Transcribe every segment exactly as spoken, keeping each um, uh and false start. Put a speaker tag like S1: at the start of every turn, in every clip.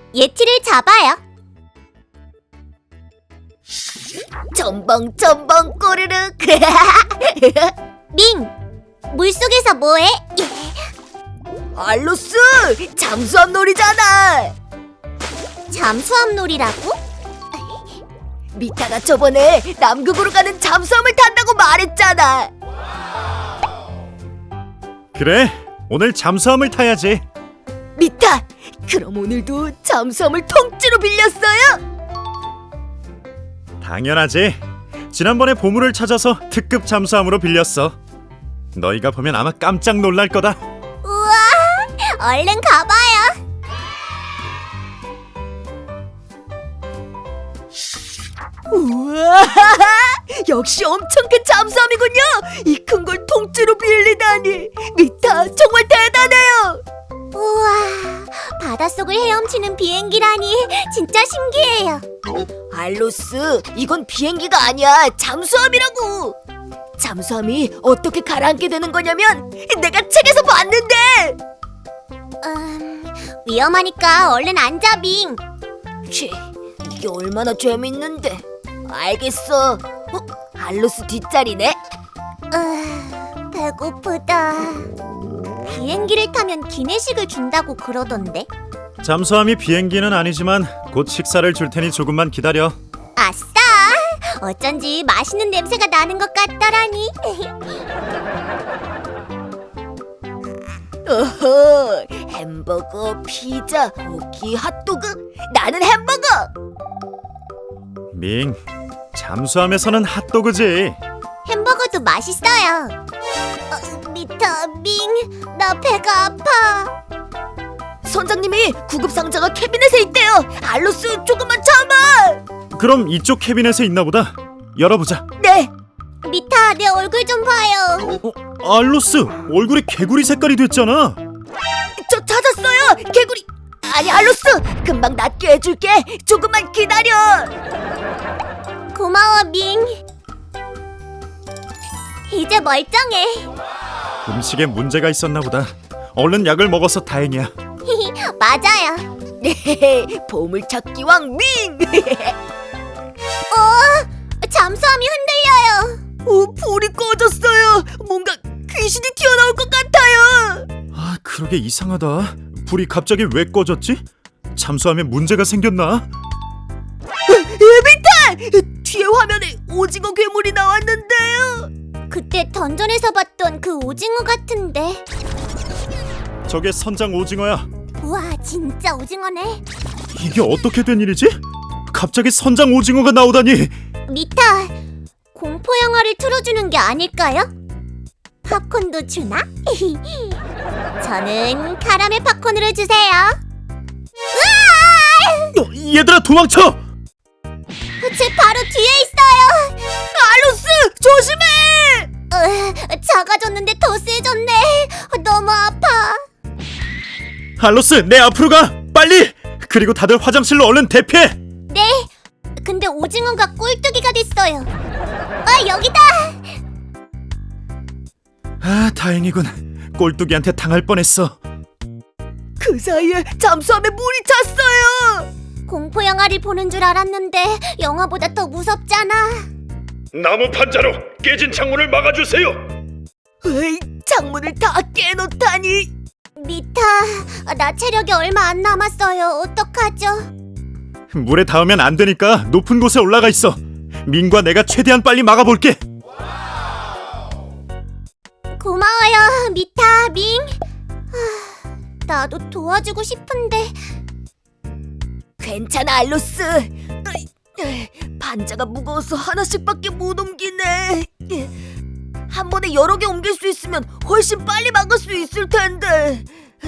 S1: 예티를 잡아요.
S2: 첨벙 첨벙 꼬르륵.
S1: 밍! 물속에서 뭐해?
S2: 알로스! 잠수함 놀이잖아.
S1: 잠수함 놀이라고?
S2: 미타가 저번에 남극으로 가는 잠수함을 탄다고 말했잖아.
S3: 그래, 오늘 잠수함을 타야지.
S2: 미타, 그럼 오늘도 잠수함을 통째로 빌렸어요?
S3: 당연하지. 지난번에 보물을 찾아서 특급 잠수함으로 빌렸어. 너희가 보면 아마 깜짝 놀랄 거다.
S1: 우와! 얼른 가봐요.
S2: 우와, 역시 엄청 큰 잠수함이군요. 이 큰 걸 통째로 빌리다니. 미타, 정말 대단해요.
S1: 우와! 바닷속을 헤엄치는 비행기라니 진짜 신기해요.
S2: 알로스, 이건 비행기가 아니야. 잠수함이라고. 잠수함이 어떻게 가라앉게 되는 거냐면 내가 책에서 봤는데.
S1: 음, 위험하니까 얼른 앉아, 밍.
S2: 치, 이게 얼마나 재밌는데. 알겠어. 어? 알로스 뒷자리네.
S1: 으, 배고프다. 비행기를 타면 기내식을 준다고 그러던데.
S3: 잠수함이 비행기는 아니지만 곧 식사를 줄 테니 조금만 기다려.
S1: 아싸! 어쩐지 맛있는 냄새가 나는 것 같더라니.
S2: 어허, 햄버거, 피자, 고기, 핫도그. 나는 햄버거.
S3: 밍, 잠수함에서는 핫도그지.
S1: 햄버거도 맛있어요. 어, 미타, 밍, 나 배가 아파.
S2: 선장님이 구급 상자가 캐비넷에 있대요. 알로스, 조금만 참아.
S3: 그럼 이쪽 캐비넷에 있나 보다. 열어보자.
S2: 네.
S1: 미타, 내 얼굴 좀 봐요.
S3: 어, 알로스, 얼굴이 개구리 색깔이 됐잖아.
S2: 저 찾았어요. 개구리. 아니, 알로스, 금방 낫게 해줄게. 조금만 기다려.
S1: 고마워, 밍. 이제 멀쩡해.
S3: 음식에 문제가 있었나 보다. 얼른 약을 먹어서 다행이야.
S1: 맞아요.
S2: 네, 보물찾기왕 밍.
S1: 어, 잠수함이 흔들려요.
S2: 오, 불이 꺼졌어요. 뭔가 귀신이 튀어나올 것 같아요.
S3: 아, 그러게 이상하다. 불이 갑자기 왜 꺼졌지? 잠수함에 문제가 생겼나?
S2: 에비탈! 뒤에 화면에 오징어 괴물이 나왔는데요.
S1: 그때 던전에서 봤던 그 오징어 같은데.
S3: 저게 선장 오징어야.
S1: 우와, 진짜 오징어네.
S3: 이게 어떻게 된 일이지? 갑자기 선장 오징어가 나오다니.
S1: 미타, 공포 영화를 틀어주는 게 아닐까요? 팝콘도 주나? 저는 카라멜 팝콘으로 주세요. 으아!
S3: 어, 얘들아 도망쳐!
S1: 제 바로 뒤에 있어요.
S2: 알로스, 조심해.
S1: 으, 작아졌는데 더 세졌네. 너무 아파.
S3: 알로스, 내 앞으로 가! 빨리! 그리고 다들 화장실로 얼른 대피해!
S1: 네. 근데 오징어가 꼴뚜기가 됐어요. 아, 여기다.
S3: 아, 다행이군. 꼴뚜기한테 당할 뻔했어.
S2: 그 사이에 잠수함에 물이 찼어요.
S1: 공포 영화를 보는 줄 알았는데 영화보다 더 무섭잖아.
S3: 나무 판자로 깨진 창문을 막아주세요.
S2: 에이, 창문을 다 깨놓다니.
S1: 미타, 나 체력이 얼마 안 남았어요. 어떡하죠?
S3: 물에 닿으면 안 되니까 높은 곳에 올라가 있어. 민과 내가 최대한 빨리 막아볼게.
S1: 고마워요, 미타, 밍. 하, 나도 도와주고 싶은데.
S2: 괜찮아, 알로스. 으이, 으이, 반자가 무거워서 하나씩밖에 못 옮기네. 한 번에 여러 개 옮길 수 있으면 훨씬 빨리 막을 수 있을 텐데.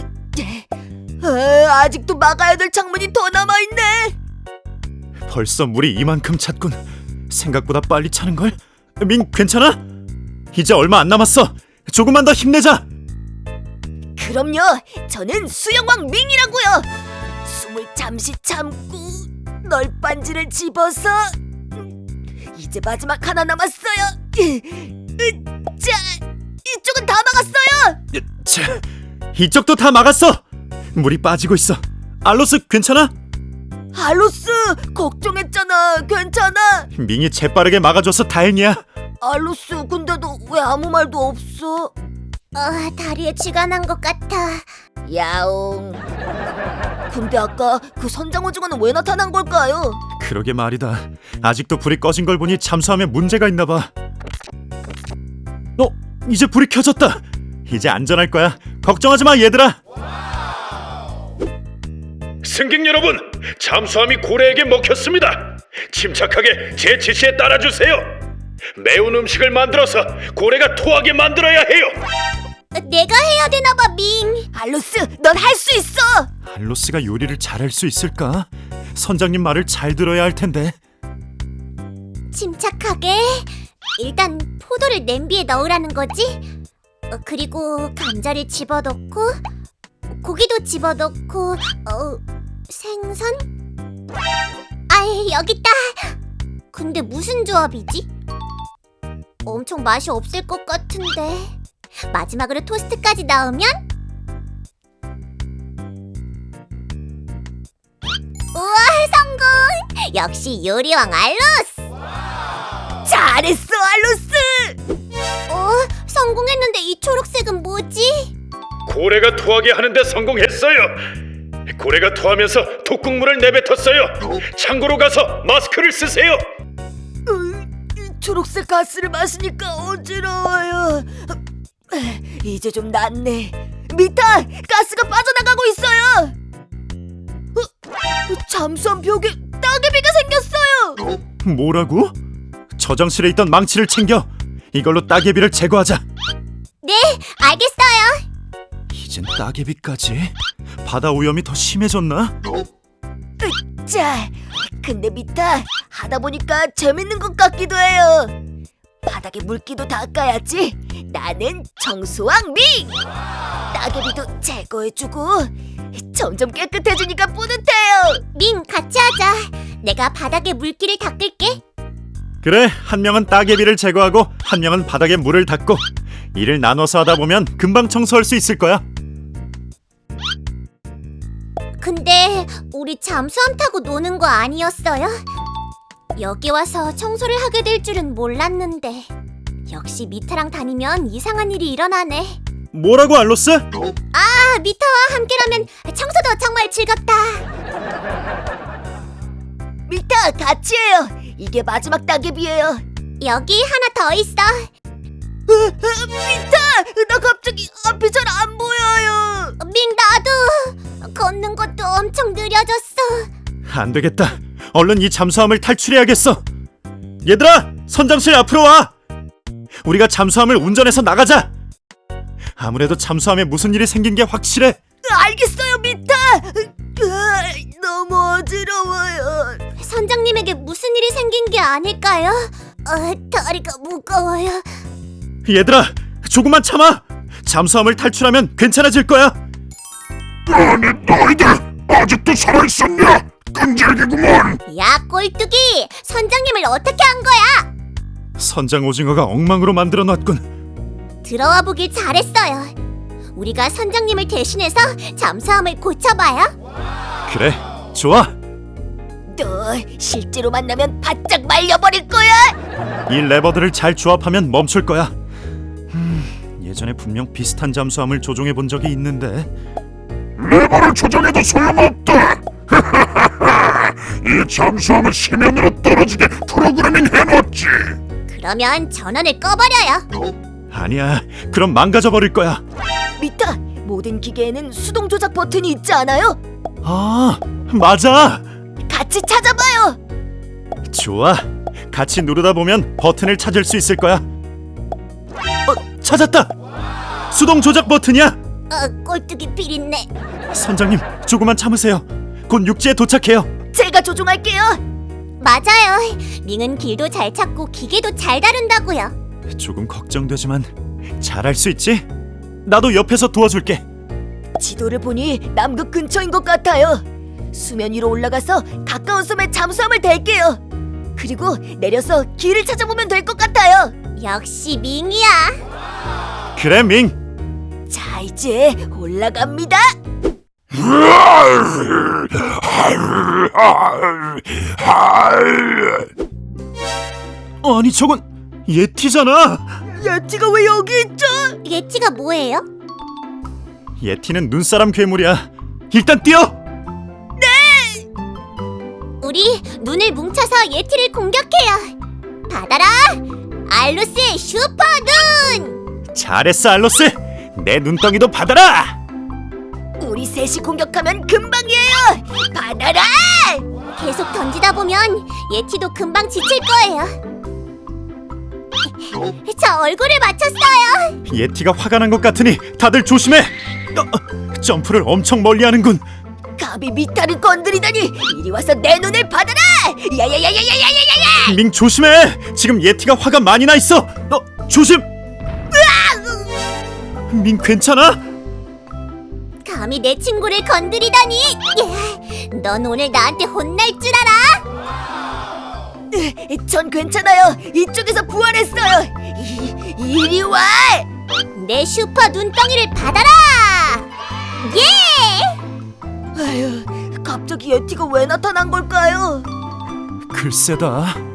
S2: 아, 아직도 막아야 될 창문이 더 남아있네.
S3: 벌써 물이 이만큼 찼군. 생각보다 빨리 차는걸? 민, 괜찮아? 이제 얼마 안 남았어. 조금만 더 힘내자.
S2: 그럼요, 저는 수영왕 밍이라고요. 숨을 잠시 참고 널빤지를 집어서 이제 마지막 하나 남았어요. 자, 이쪽은 다 막았어요.
S3: 자, 이쪽도 다 막았어. 물이 빠지고 있어. 알로스 괜찮아?
S2: 알로스, 걱정했잖아. 괜찮아?
S3: 밍이 재빠르게 막아줘서 다행이야.
S2: 알로스, 근데 너 왜 아무 말도 없어?
S1: 어, 다리에 쥐가 난 것 같아.
S2: 야옹. 근데 아까 그 선장 오징어는 왜 나타난 걸까요?
S3: 그러게 말이다. 아직도 불이 꺼진 걸 보니 잠수함에 문제가 있나 봐. 어, 이제 불이 켜졌다. 이제 안전할 거야. 걱정하지 마, 얘들아.
S4: 승객 여러분, 잠수함이 고래에게 먹혔습니다. 침착하게 제 지시에 따라주세요. 매운 음식을 만들어서 고래가 토하게 만들어야 해요.
S1: 어, 내가 해야 되나 봐, 밍.
S2: 알로스, 넌 할 수 있어.
S3: 알로스가 요리를 잘할 수 있을까? 선장님 말을 잘 들어야 할 텐데.
S1: 침착하게. 일단 포도를 냄비에 넣으라는 거지. 어, 그리고 감자를 집어넣고 고기도 집어넣고 어, 생선? 아이, 여기 있다. 근데 무슨 조합이지? 엄청 맛이 없을 것 같은데. 마지막으로 토스트까지 넣으면? 우와, 성공! 역시 요리왕 알로스!
S2: 잘했어, 알로스.
S1: 어? 성공했는데 이 초록색은 뭐지?
S4: 고래가 토하게 하는데 성공했어요. 고래가 토하면서 독국물을 내뱉었어요. 창고로 가서 마스크를 쓰세요.
S2: 으, 초록색 가스를 마시니까 어지러워요. 이제 좀 낫네. 미타, 가스가 빠져나가고 있어요. 어, 잠수함 벽에 따개비가 생겼어요.
S3: 뭐라고? 저장실에 있던 망치를 챙겨. 이걸로 따개비를 제거하자.
S1: 네, 알겠어요.
S3: 이젠 따개비까지? 바다 오염이 더 심해졌나?
S2: 자, 근데 미타, 하다 보니까 재밌는 것 같기도 해요. 바닥에 물기도 닦아야지. 나는 청소왕 밍. 따개비도 제거해주고 점점 깨끗해지니까 뿌듯해요.
S1: 밍, 같이 하자. 내가 바닥에 물기를 닦을게.
S3: 그래, 한 명은 따개비를 제거하고 한 명은 바닥에 물을 닦고 일을 나눠서 하다 보면 금방 청소할 수 있을 거야.
S1: 근데 우리 잠수함 타고 노는 거 아니었어요? 여기 와서 청소를 하게 될 줄은 몰랐는데. 역시 미타랑 다니면 이상한 일이 일어나네.
S3: 뭐라고, 알로스?
S1: 아, 미타와 함께라면 청소도 정말 즐겁다.
S2: 미타, 같이 해요. 이게 마지막 따개비예요.
S1: 여기 하나 더 있어.
S2: 으, 으, 미타, 나 갑자기 앞이 잘 안 보여요.
S1: 밍, 나도. 걷는 것도 엄청 느려졌어.
S3: 안 되겠다. 얼른 이 잠수함을 탈출해야겠어. 얘들아, 선장실 앞으로 와. 우리가 잠수함을 운전해서 나가자. 아무래도 잠수함에 무슨 일이 생긴 게 확실해.
S2: 알겠어요, 미타. 으, 너무 어지러워요.
S1: 선장님에게 무슨 일이 생긴 게 아닐까요? 어, 다리가 무거워요.
S3: 얘들아, 조금만 참아. 잠수함을 탈출하면 괜찮아질 거야.
S5: 아니 너희들 아직도 살아있었냐? 끈질기구먼.
S1: 야, 꼴뚜기! 선장님을 어떻게 한 거야?
S3: 선장 오징어가 엉망으로 만들어놨군.
S1: 들어와 보길 잘했어요. 우리가 선장님을 대신해서 잠수함을 고쳐봐요.
S3: 그래, 좋아.
S2: 너 실제로 만나면 바짝 말려버릴 거야.
S3: 이 레버들을 잘 조합하면 멈출 거야. 음, 예전에 분명 비슷한 잠수함을 조종해 본 적이 있는데.
S5: 레버를 조정해도 소용없다. 이 잠수함을 심연으로 떨어지게 프로그래밍 해놨지.
S1: 그러면 전원을 꺼버려요.
S3: 아니야, 그럼 망가져 버릴 거야.
S2: 미타, 모든 기계에는 수동 조작 버튼이 있지 않아요?
S3: 아, 맞아.
S2: 같이 찾아봐요.
S3: 좋아. 같이 누르다 보면 버튼을 찾을 수 있을 거야. 어, 찾았다. 수동 조작 버튼이야.
S1: 어, 꼴뚜기 비린내.
S3: 선장님, 조금만 참으세요. 곧 육지에 도착해요.
S2: 제가 조종할게요.
S1: 맞아요. 밍은 길도 잘 찾고 기계도 잘 다룬다고요.
S3: 조금 걱정되지만 잘할 수 있지? 나도 옆에서 도와줄게.
S2: 지도를 보니 남극 근처인 것 같아요. 수면 위로 올라가서 가까운 섬에 잠수함을 댈게요. 그리고 내려서 길을 찾아보면 될 것 같아요.
S1: 역시 밍이야.
S3: 그래, 밍.
S2: 자, 이제 올라갑니다.
S5: 할
S3: 아니 저건 예티잖아.
S2: 예티가 왜 여기 있죠?
S1: 예티가 뭐예요?
S3: 예티는 눈사람 괴물이야. 일단 뛰어.
S1: 우리 눈을 뭉쳐서 예티를 공격해요. 받아라! 알루스의 슈퍼 눈!
S3: 잘했어 알로스. 내 눈덩이도 받아라.
S2: 우리 셋이 공격하면 금방이에요. 받아라.
S1: 계속 던지다 보면 예티도 금방 지칠 거예요. 저 얼굴을 맞췄어요.
S3: 예티가 화가 난 것 같으니 다들 조심해. 어, 점프를 엄청 멀리 하는군.
S2: 감히 미타를 건드리다니. 이리 와서 내 눈을 받아라. 야야야야야야야야야.
S3: 밍 조심해. 지금 예티가 화가 많이 나 있어. 어, 조심. 밍 괜찮아?
S1: 감히 내 친구를 건드리다니. 예, 넌 오늘 나한테 혼날 줄 알아?
S2: 전 괜찮아요. 이쪽에서 부활했어요. 이, 이리 와.
S1: 내 슈퍼 눈덩이를 받아라. 예!
S2: 아휴, 갑자기 예티가 왜 나타난 걸까요?
S3: 글쎄다.